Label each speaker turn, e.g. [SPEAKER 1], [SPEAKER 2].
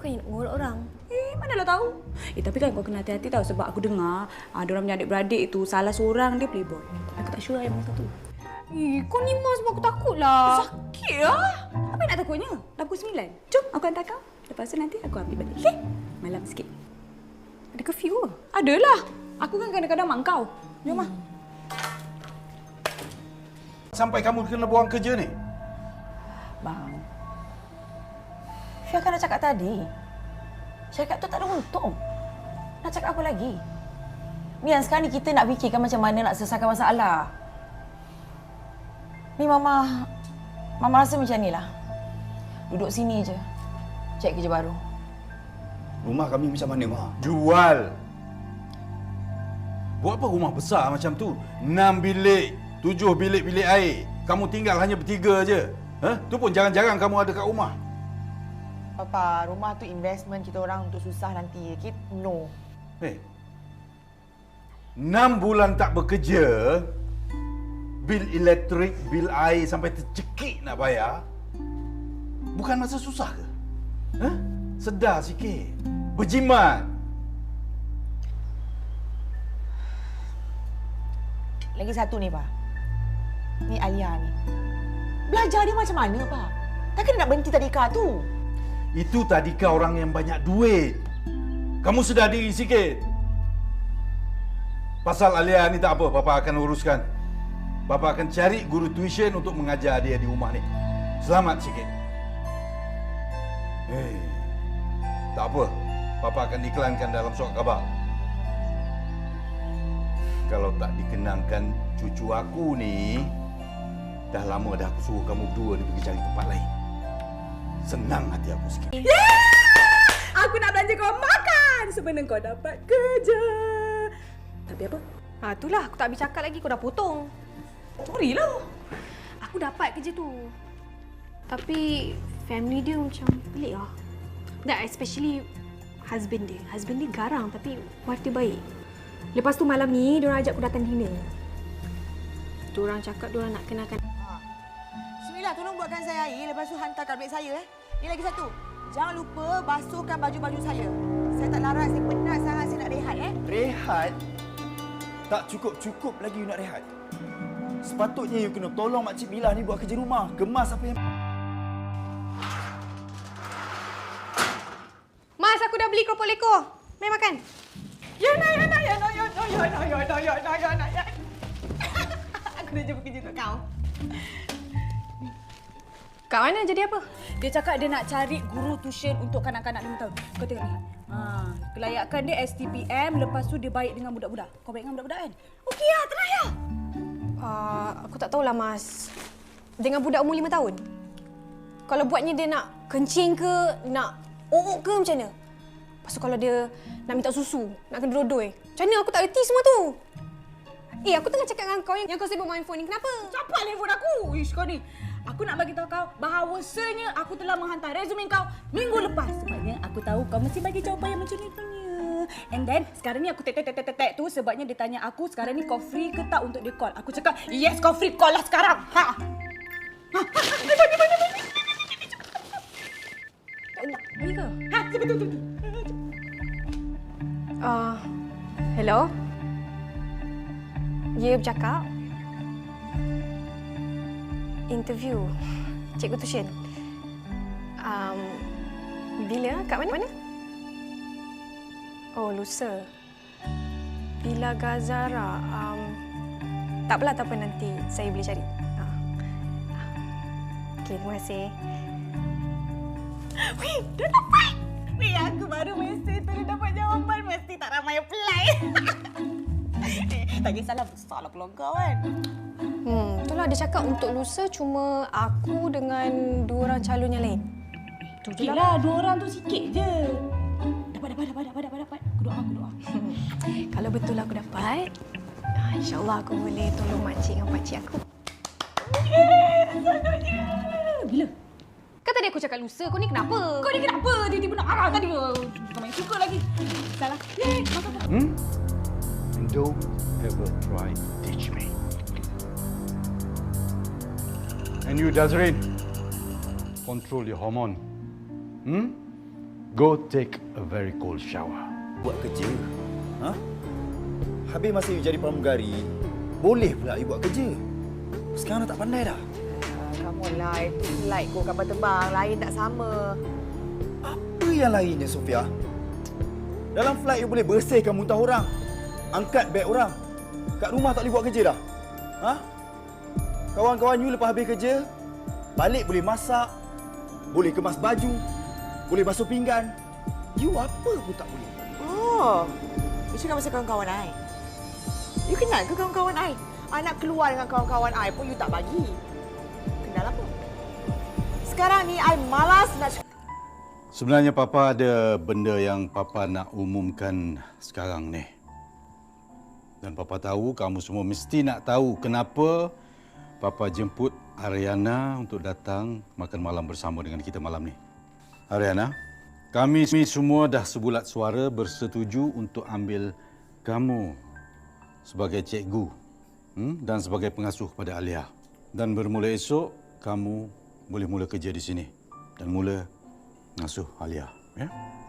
[SPEAKER 1] bukannya nak ngorok orang.
[SPEAKER 2] Manalah tahu. Tapi kan kau kena hati-hati tau sebab aku dengar diorang punya adik-beradik itu salah seorang dia playboy. Aku tak sure yang mana satu.
[SPEAKER 1] Kau ni mas sebab aku takut lah.
[SPEAKER 2] Sakit lah. Apa yang nak takutnya? Dah pukul 9. Jom, aku hantar kau. Lepas tu nanti aku ambil balik. Okay? Malam sikit.
[SPEAKER 1] Ada curfew ke?
[SPEAKER 2] Adalah. Aku kan kadang-kadang mak kau. Jom lah.
[SPEAKER 3] Sampai kamu kena buang kerja ni?
[SPEAKER 4] Bang, Syah kan dah cakap tadi. Cakap tu tak ada untung. Nak cakap apa lagi? Ni yang sekarang ni kita nak fikirkan macam mana nak selesaikan masalah. Ni Mama rasa macam ni lah. Duduk sini je. Cari kerja baru.
[SPEAKER 3] Rumah kami macam mana, Ma? Jual. Buat apa rumah besar macam tu? 6 bilik, 7 bilik air. Kamu tinggal hanya bertiga je. Tu pun jarang-jarang kamu ada kat rumah.
[SPEAKER 4] Papa, rumah tu investment kita orang untuk susah nanti. Kita no.
[SPEAKER 3] 6 bulan tak bekerja, bil elektrik, bil air sampai tercekik nak bayar. Bukan masa susah ke? Sedar sikit. Berjimat.
[SPEAKER 4] Lagi satu ni, Pak. Ni Alia ni. Belajar dia macam mana, Pak? Takkan dia nak berhenti tadika tu?
[SPEAKER 3] Itu tadika orang yang banyak duit. Kamu sedar diri sikit. Pasal Alia ni tak apa, Papa akan uruskan. Papa akan cari guru tuition untuk mengajar dia di rumah ni. Selamat sikit. Tak apa. Papa akan iklankan dalam surat khabar. Kalau tak dikenangkan cucu aku ni, dah lama dah aku suruh kamu berdua ni pergi cari tempat lain. Senang hati aku sikit.
[SPEAKER 2] Aku nak belanja kau makan sebelum kau dapat kerja. Tapi apa?
[SPEAKER 1] Itulah aku tak habis cakap lagi, kau dah potong.
[SPEAKER 2] Sorry lah.
[SPEAKER 1] Aku dapat kerja tu. Tapi family dia macam pelik lah. Dan especially husband dia. Husband dia garang tapi wife dia baik. Lepas tu malam ni diorang ajak aku datang dinner. Diorang cakap diorang nak kenalkan.
[SPEAKER 4] Bismillah, tolong buatkan saya air. Lepas tu hantar tablet saya. Ni lagi satu. Jangan lupa basuhkan baju-baju saya. Saya tak larat, saya penat sangat, saya nak rehat.
[SPEAKER 5] Rehat? Tak cukup-cukup lagi you nak rehat. Sepatutnya you kena tolong Makcik Bila ni buat kerja rumah. Kemas apa yang...
[SPEAKER 1] Mas, aku dah beli keropok leko. Mari makan.
[SPEAKER 2] Ya. Aku dah jumpa kerja untuk kau.
[SPEAKER 1] Kat mana jadi apa?
[SPEAKER 2] Dia cakap dia nak cari guru tuition untuk kanak-kanak 5 tahun. Kau tengok ni. Kelayakan dia STPM, lepas tu dia baik dengan budak-budak. Kau baik dengan budak-budak kan? Okey lah, try lah.
[SPEAKER 1] Aku tak tahulah, Mas. Dengan budak umur 5 tahun. Kalau buatnya dia nak kencing ke, nak ook ke macam mana? Lepas tu kalau dia nak minta susu, nak kena dodoi. Macam mana? Aku tak reti semua tu. Aku tengah cakap dengan kau yang kau sibuk main phone ni. Kenapa?
[SPEAKER 2] Cepat telefon aku. Ish, kau ni. Aku nak bagi tahu kau bahawasanya aku telah menghantar resume kau minggu lepas. Sebabnya aku tahu kau mesti bagi jawapan yang macam ni punya. And then sekarang ni aku tek tu sebabnya dia tanya aku sekarang ni kau free ke tak untuk dia call. Aku cakap, yes kau free, call lah sekarang.
[SPEAKER 1] Ni ke?
[SPEAKER 2] Betul.
[SPEAKER 1] Hello? Ya, bercakap. Interview cikgu tuition. Bila? Kat mana? Oh, lusa. Villa Gazara. Tak apa nanti saya boleh cari. Okey, terima kasih.
[SPEAKER 2] Weh, dah dapat. Weh, aku baru mesej tu dia dapat jawapan. Mesti tak ramai apply. Tak kisahlah, besarlah peluang kau kan.
[SPEAKER 1] Itulah dia cakap untuk lusa cuma aku dengan 2 orang calon yang lain.
[SPEAKER 2] Okeylah, 2 orang tu sikit je. Dapat. Aku doa.
[SPEAKER 1] Kalau betul aku dapat, insya-Allah aku boleh tolong makcik dengan pakcik aku.
[SPEAKER 2] Bila?
[SPEAKER 1] Kan tadi aku cakap lusa, kau ni kenapa?
[SPEAKER 2] Kau ni kenapa? Tiba-tiba nak arah tadi. Kau main suka lagi. Salah. Makan.
[SPEAKER 3] And don't ever try to teach me. And you, Jazrin, control your hormone. Go take a very cold shower.
[SPEAKER 5] Buat kerja? Ha? Habis masa you jadi pramugari, boleh pula you buat kerja. Sekarang dah tak pandai dah.
[SPEAKER 4] Kamu lah, itu flight kau kapal terbang. Lain tak sama.
[SPEAKER 5] Apa yang lainnya, Sofia? Dalam flight you boleh bersihkan muntah orang. Angkat beg orang. Kat rumah tak boleh buat kerja dah. Ha? Kawan-kawan you lepas habis kerja, balik boleh masak, boleh kemas baju, boleh basuh pinggan. You apa pun tak boleh.
[SPEAKER 4] Oh, you cakap pasal kawan-kawan I. You kenal ke kawan-kawan I? I nak keluar dengan kawan-kawan I pun you tak bagi. Kenal apa? Sekarang ni I malas nak
[SPEAKER 3] Sebenarnya Papa ada benda yang Papa nak umumkan sekarang ni. Dan Papa tahu kamu semua mesti nak tahu kenapa Papa jemput Ariana untuk datang makan malam bersama dengan kita malam ni. Ariana, kami semua dah sebulat suara bersetuju untuk ambil kamu sebagai cikgu dan sebagai pengasuh kepada Alia. Dan bermula esok, kamu boleh mula kerja di sini dan mula ngasuh Alia. Ya?